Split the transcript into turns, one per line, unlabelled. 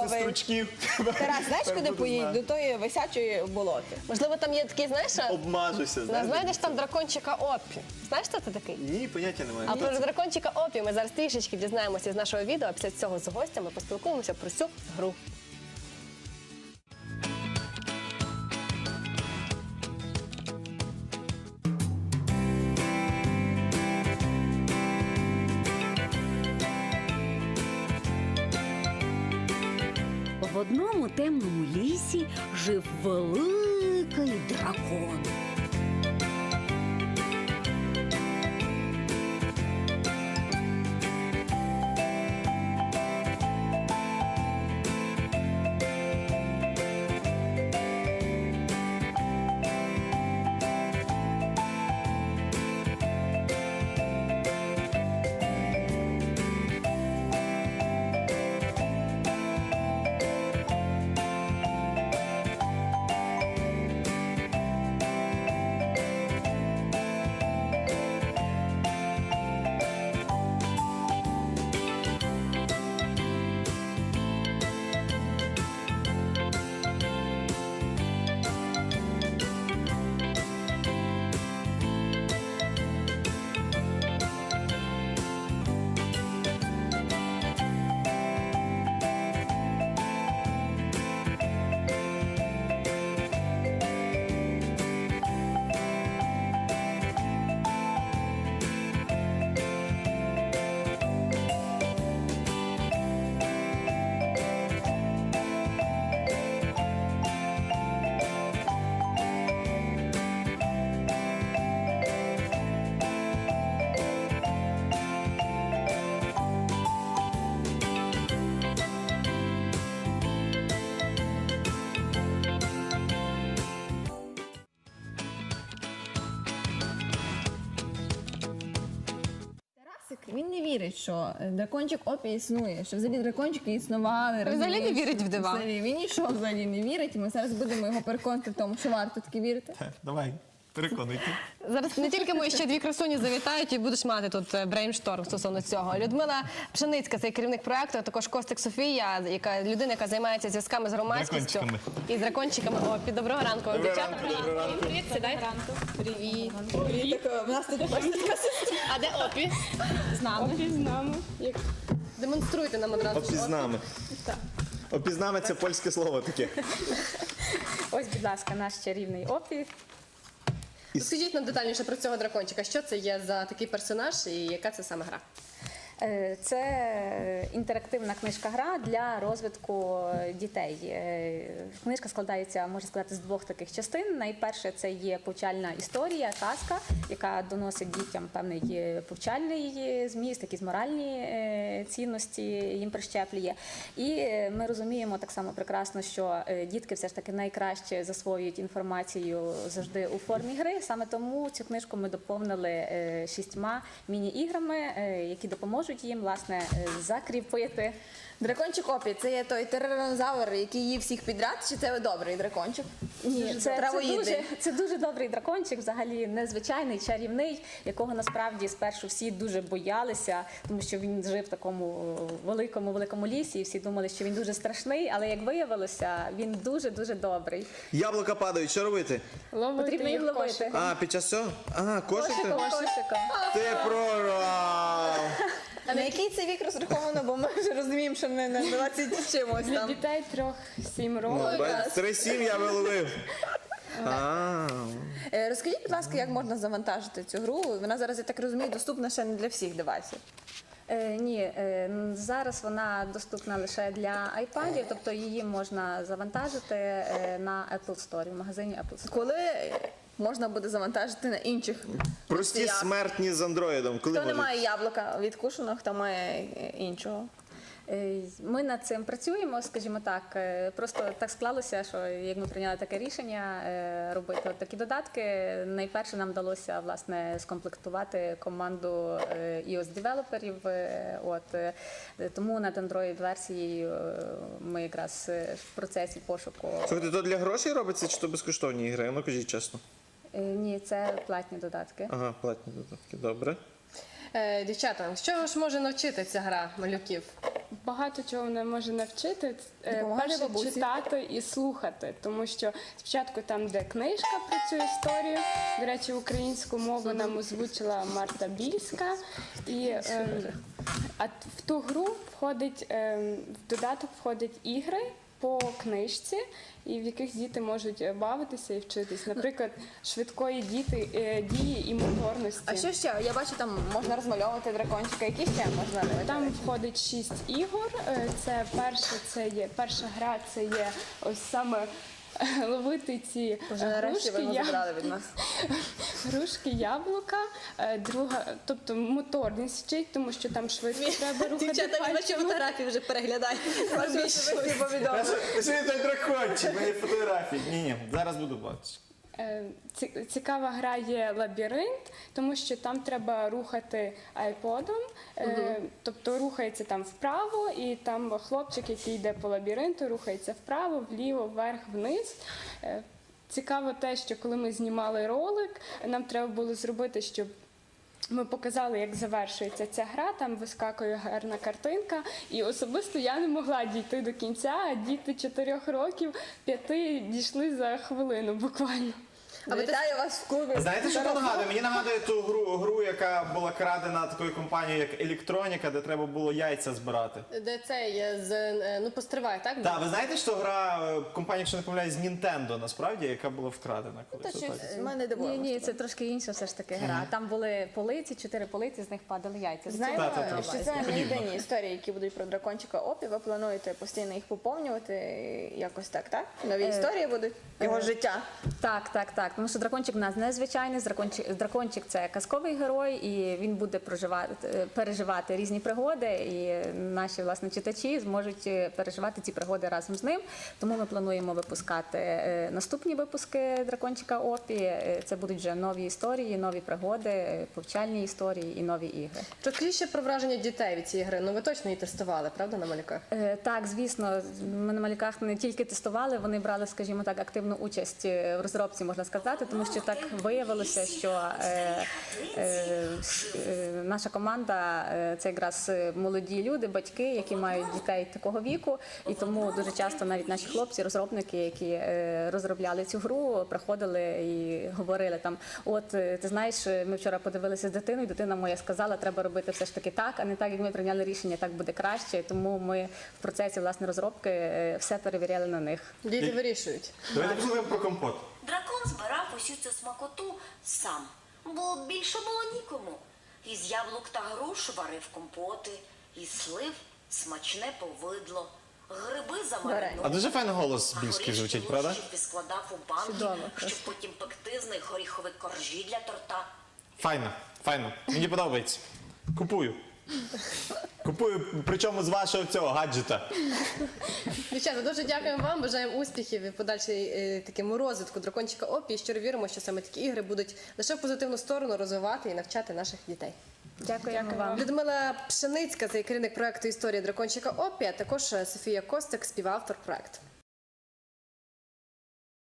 готовий.
стручків.
Тарас, знаєш, куди поїдь? До тої висячої болоти.
Можливо, там є такий, знаєш,
Обмажуся, знаєш?
знайдеш там дракончика Опі. Знаєш, хто це такий?
Ні, поняття немає.
А про дракончика Опі ми зараз трішечки дізнаємося з нашого відео, а після цього з гостями поспілкуємося про цю гру.
В одному темному лісі жив великий дракон.
Він не вірить, що дракончик Опі існує, що взагалі дракончики існували.
Він взагалі не
розумієш?
вірить в дива.
Він нічого взагалі не вірить, і ми зараз будемо його переконати в тому, що варто таки вірити.
Давай, переконуйте.
Зараз не тільки ми, ще дві красуні завітають і будеш мати тут брейншторм стосовно цього. Людмила Пшеницька, це керівник проекту, а також Костик Софія, людина, яка займається зв'язками з громадськістю.
Дракончиками.
І з дракончиками. Опі, доброго ранку вам, дівчата.
Доброго ранку.
Привіт, сідай. Привіт.
У нас тут така сестра.
А де Опі?
З нами.
Демонструйте нам одразу.
Опізнами. Опізнами – це польське слово таке.
Ось, будь ласка, наш чарівний Опі.
Скажіть нам детальніше про цього дракончика. Що це є за такий персонаж і яка це саме гра?
Це інтерактивна книжка-гра для розвитку дітей. Книжка складається, можна сказати, з двох таких частин. Найперше це є повчальна історія, казка, яка доносить дітям певний повчальний зміст, якісь моральні цінності їм прищеплює. І ми розуміємо так само прекрасно, що дітки все ж таки найкраще засвоюють інформацію завжди у формі гри. Саме тому цю книжку ми доповнили 6 міні-іграми, які допоможуть їм, власне, закріпити.
Дракончик Опі, це є той тиранозавр, який їв всіх підряд, чи це добрий дракончик?
Ні,
травоїдний.
це дуже добрий дракончик, взагалі незвичайний, чарівний, якого насправді спершу всі дуже боялися, тому що він жив в такому великому лісі, і всі думали, що він дуже страшний, але як виявилося, він дуже-дуже добрий.
Яблука падають, що робити?
Потрібно їх ловити.
А, під час цього? Ага, кошики?
Кошиком.
Ти прорав!
А на який це вік розраховано, бо ми вже розуміємо, що не на 20 чимось там.
Дітей 3-7 років.
3-7 я виловив.
Розкажіть, будь ласка, як можна завантажити цю гру? Вона зараз, я так розумію, доступна ще не для всіх девайсів.
Ні, зараз вона доступна лише для iPadів, тобто її можна завантажити на Apple Store, в магазині Apple Store.
Коли можна буде завантажити на інших
Прості
носіях?
смертні з андроїдом. Коли
Хто не
можуть?
має яблука відкушеного, хто має іншого?
Ми над цим працюємо, скажімо так. Просто так склалося, що як ми прийняли таке рішення робити такі додатки, найперше нам вдалося, власне, скомплектувати команду iOS-девелоперів. Тому над Android-версією ми якраз в процесі пошуку.
Слухайте, то для грошей робиться, чи то безкоштовні ігри? Ну, кажіть чесно.
Ні, це платні додатки.
Ага, платні додатки, добре.
Дівчата, що ж може навчити ця гра малюків?
багато чого вона може навчити.
Допомагати
Перше,
бабусі.
читати і слухати, тому що спочатку там, де книжка про цю історію, до речі, українську мову нам озвучила Марта Більська, і а в ту гру входить, в додаток входять ігри по книжці, і в яких діти можуть бавитися і вчитись. Наприклад, швидкої дії і моторності.
А що ще? Я бачу, там можна розмальовувати дракончика. Які ще можна робити?
Там входить 6 ігор. Це перша гра, це є ось саме ловити ці
Нарешті ви його
грушки,
забрали від нас.
грушки, яблука. Друга, тобто моторність вчить, тому що там швидко треба рухати
Дівчата, ваші
пальцями.
фотографії вже переглядають.
Що той дракончик, мої фотографії. Ні, зараз буду бачити.
Цікава гра є лабіринт, тому що там треба рухати айподом, тобто рухається там вправо, і там хлопчик, який йде по лабіринту, рухається вправо, вліво, вверх, вниз. Цікаво те, що коли ми знімали ролик, нам треба було зробити, щоб ми показали, як завершується ця гра, там вискакує гарна картинка, і особисто я не могла дійти до кінця, а діти 4 років, 5 дійшли за хвилину буквально.
Вітаю вас в клубі.
Знаєте, що то нагадує? Мені нагадує ту гру, яка була крадена такою компанією, як Електроніка, де треба було яйця збирати.
Де це є постривай, так?
Так, ви знаєте, що гра компанія, якщо не помиляюсь, з Nintendo, насправді, яка була вкрадена колись.
Та щось
Отак.
мене дивує.
Ні, це трошки інша все ж таки гра. Там були полиці, 4 полиці, з них падали яйця.
Знаємо,
Та.
що це не єдині історії, які будуть про дракончика Опі. Ви плануєте постійно їх поповнювати якось так? Нові історії будуть? Його життя?
Так. Тому що дракончик в нас незвичайний. Дракончик – це казковий герой, і він буде переживати різні пригоди, і наші, власне, читачі зможуть переживати ці пригоди разом з ним. Тому ми плануємо випускати наступні випуски дракончика Опі. Це будуть вже нові історії, нові пригоди, повчальні історії і нові ігри.
Розкажіть ще про враження дітей від цієї гри. Ну ви точно її тестували, правда, на малюках?
Так, звісно, ми на малюках не тільки тестували, вони брали, скажімо так, активну участь в розробці, можна сказати, тому що так виявилося, що наша команда це якраз молоді люди, батьки, які мають дітей такого віку, і тому дуже часто навіть наші хлопці, розробники, які розробляли цю гру, приходили і говорили там, от, ти знаєш, ми вчора подивилися з дитиною, дитина моя сказала, треба робити все ж таки так, а не так, як ми прийняли рішення, так буде краще, тому ми в процесі, власне, розробки все перевіряли на них.
Діти вирішують.
Давайте послухаємо про компот.
Дракон збирав усю цю смакоту сам, бо більше було нікому. Із яблук та груш варив компоти, із слив смачне повидло, гриби
А
замариновані.
дуже файний голос
А
більський
горішки
звучить, правда?
лущив і складав у банки,
Чудово,
щоб потім пекти з них горіхові коржі для торта.
Файно. Мені подобається. Купую, причому з вашого цього гаджета.
Дівчата, дуже дякуємо вам, бажаємо успіхів і подальшій такому розвитку дракончика Опі. І щиро віримо, що саме такі ігри будуть лише в позитивну сторону розвивати і навчати наших дітей.
Дякуємо вам.
Людмила Пшеницька, це керівник проекту «Історія дракончика Опі», а також Софія Костик, співавтор проекту.